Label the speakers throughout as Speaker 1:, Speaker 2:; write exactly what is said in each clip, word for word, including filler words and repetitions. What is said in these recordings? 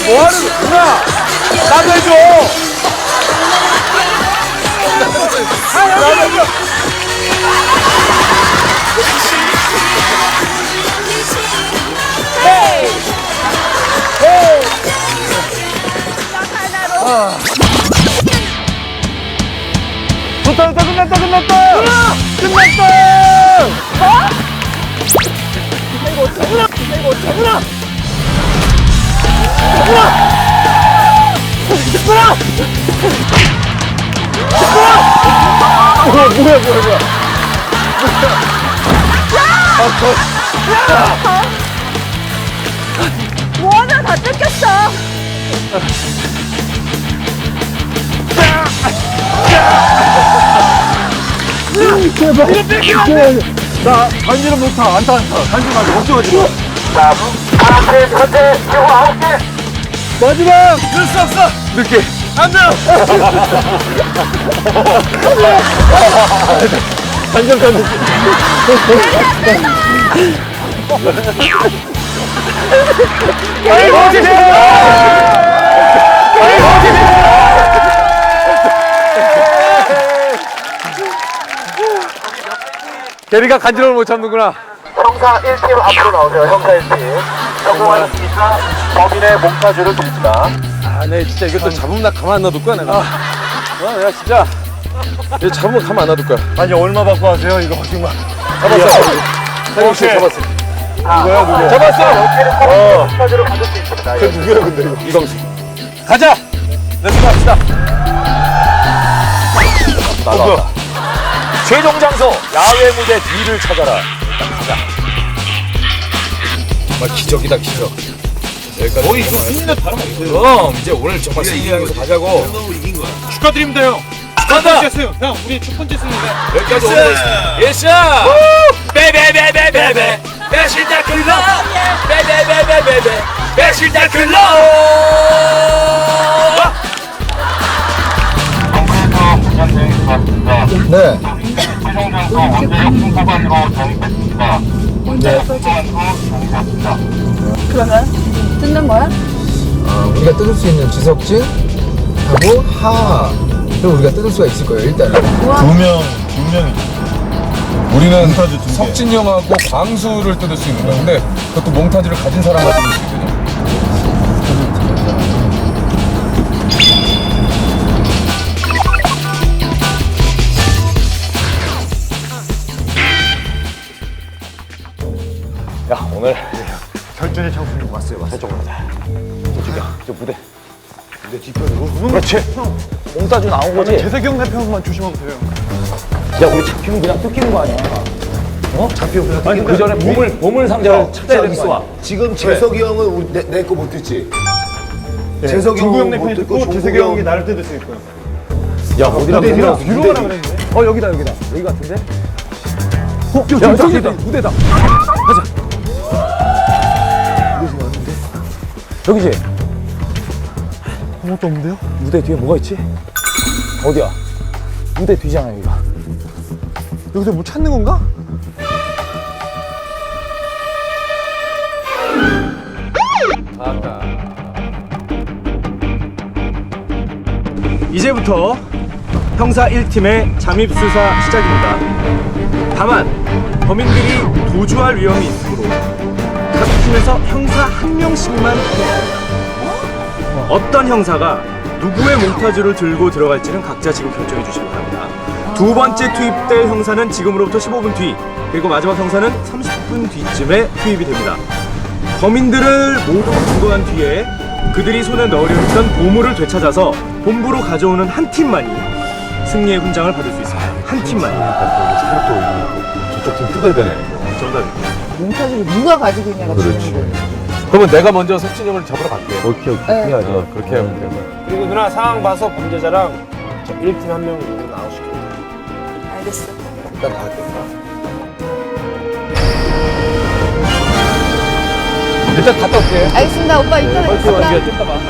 Speaker 1: 뭐 하는 거야? 나도 해줘. 나도 해줘. 헤이! 헤이! 아. 좋다, 좋다, 끝났다, 끝났다! 끝났다! 어? 이거 어떡하구나! 이거 어떡하구나! 어떡하구나! 어떡하구나! 뭐야, 뭐야, 뭐야, 뭐야. 아, 저. 야!
Speaker 2: 뭐하나 다 뜯겼어!
Speaker 1: 제발. 이거 뺏기면 안 돼. 나 단지는 못타. 안타, 안타. 단지 말고 걱정하지 마. 자, 하나, 둘, 셋, 넷, 아홉 개. 마지막. 그럴 수 없어. 늦게. 안 돼. 단전 단지. 아이고, 어디세요? 아이고, 어디세요? 대리가 간지러움을 못 참는구나.
Speaker 3: 형사 일 팀 앞으로 나오세요. 형사 일 팀. 성공하였으니까 범인의 몽타주를 드립니다.
Speaker 1: 아, 네, 진짜 이것도 잡으면 나 가만 안 놔둘 거야, 내가. 아, 어, 내가 진짜. 이거 잡으면 가만 안 놔둘 거야. 아니, 얼마 받고 하세요, 이거 정말. 잡았어. 사경 씨 잡았어. 누구야, 누구야? 잡았어!
Speaker 3: 어. 몽타주를 받을 수 있습니다.
Speaker 1: 그 누구야, 근데 이거? 이광수. 가자! 렛츠 갑시다.
Speaker 3: 나왔다. 최종 장소 야외 무대 뒤를 찾아라. 가자.
Speaker 1: 정말 기적이다, 기적. 여기까지.
Speaker 4: 거의 이거 승리는 다름없어요.
Speaker 1: 그럼 이제 오늘 정말 승리하면서 가자고.
Speaker 4: 축하드립니다, 형.
Speaker 1: 간다!
Speaker 4: 첫 번째 승. 형, 우리 첫 번째 승리가.
Speaker 1: 여기까지 오고 있습니다. 예샤! 베베베베베베 배신다 클럽! 베베베베베베 배신다 클럽!
Speaker 5: 네.
Speaker 2: 그러면 뜯는 거야?
Speaker 5: 어, 우리가 뜯을 수 있는 지석진하고 하를 우리가 뜯을 수가 있을 거예요, 일단은.
Speaker 6: 두 명, 두 명이.
Speaker 5: 우리는
Speaker 6: 몽타주 두 개.
Speaker 5: 석진이 형하고 광수를 뜯을 수 있는 거야. 근데 그것도 몽타주를 가진 사람만 뜯을 수 있거든요.
Speaker 3: 야, 오늘
Speaker 6: 결전의 장소로 왔어요, 왔어요.
Speaker 3: 저쪽으로 가자. 저쪽이야. 저 무대. 무대 뒤편으로. 그렇지. 몽타주 나온 거지?
Speaker 6: 재석이 형 대표만 조심하면 돼요.
Speaker 3: 야, 우리 잡히면 그냥 뜯기는 거 아니야? 어? 잡히면 그냥 아니, 그 전에 보물, 보물 상자를 찾아야 되는 거 아니야?
Speaker 7: 지금 재석이 형은 우리 내 거 못 듣지?
Speaker 6: 네.
Speaker 7: 재석이
Speaker 6: 중구 형
Speaker 7: 형은
Speaker 6: 내
Speaker 7: 못
Speaker 6: 편이
Speaker 7: 듣고
Speaker 6: 듣고 재석이
Speaker 7: 종국이
Speaker 6: 형이 나를 뜯을 수 있고요.
Speaker 3: 야, 어디랑
Speaker 7: 무대
Speaker 3: 어디랑
Speaker 7: 뒤로
Speaker 6: 뒤로 가라 그랬는데.
Speaker 3: 어, 여기다, 여기다. 여기 같은데? 어, 야, 저기다. 무대다. 가자. 여기지?
Speaker 6: 아무것도 없는데요?
Speaker 3: 무대 뒤에 뭐가 있지? 어디야? 무대 뒤잖아, 여기가.
Speaker 6: 여기서 뭐 찾는 건가?
Speaker 8: 이제부터 형사 일 팀의 잠입수사 시작입니다. 다만 범인들이 도주할 위험이 있으므로 각 팀에서 형사 한 명씩만 투입합니다. 어떤 형사가 누구의 몽타주를 들고 들어갈지는 각자 지금 결정해 주시기 바랍니다. 두 번째 투입될 형사는 지금으로부터 십오 분 뒤, 그리고 마지막 형사는 삼십 분 뒤쯤에 투입이 됩니다. 범인들을 모두 검거한 뒤에 그들이 손에 넣으려 했던 보물을 되찾아서 본부로 가져오는 한 팀만이 승리의 훈장을 받을 수 있습니다. 한 팀만이.
Speaker 1: 저쪽 팀 뜯어야 되네.
Speaker 2: 몽타주를 누가 가지고 있냐가 중요한 거예요.
Speaker 1: 그러면 내가 먼저 석진이 형을 잡으러 갈게.
Speaker 3: 오케이, 오케이.
Speaker 2: 네.
Speaker 1: 해야지. 어, 그렇게 하면 돼.
Speaker 4: 그리고 누나 상황 봐서 범죄자랑 일 팀 한 명 누구 나오시고.
Speaker 2: 알겠어.
Speaker 5: 일단 갈게.
Speaker 1: 일단 갔다 올게.
Speaker 2: 알겠습니다. 오빠 이따 뵙겠습니다.
Speaker 1: 좀 봐봐.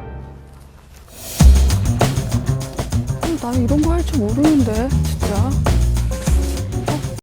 Speaker 2: 나 이런 거 할 줄 모르는데 진짜.